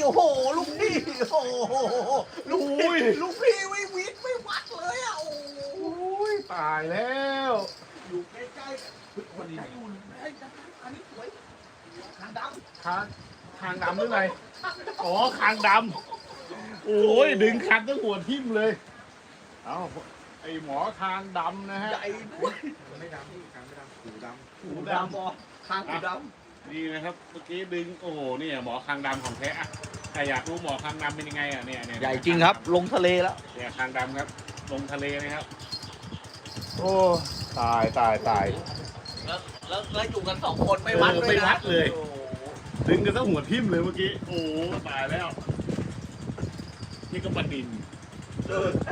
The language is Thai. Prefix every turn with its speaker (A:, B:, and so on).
A: โอ้โหลูกพี่โอ้โหลูกพี่ไม่วิทย์ไม่วัดเลยอ่ะโอ้ย
B: ตายแล้ว
A: อยู่ใกล้ๆคนนี้อยู่อันนี้สวยหางดำ
B: คางดำหรือไงอ๋อคางดำโอ้ยดึงคันตั้งหัวทิ่มเลยเอ้าไอหมอคางดำนะฮะ
A: ใหญ่ด้วย
C: ไม่ดำพี่กลางไม่ดำหูดำ
A: หูดำบอคางหูด
B: นี่นะครับเมื่อกี้ดึงโอ้โหเนี่ยหมอคางดำของแท้อะใครอยากรู้หมอคางดำเป็นยังไงอ่ะเนี่ย
A: ำใหญ่จริงครับ ลงทะเลแล้ว
B: เนี่ยคางดำครับลงทะเลนะครับ
A: โอ้
B: ตาย
A: แล้วอยู่กัน2 คนไม่วัดเลยนะ
B: ไม่วัดเลย
A: โอ้โห
B: ดึงกันตั้งหัวทิ่มเลยเมื่อกี้โอ้โหตายแล้วนี่ก็บันดิน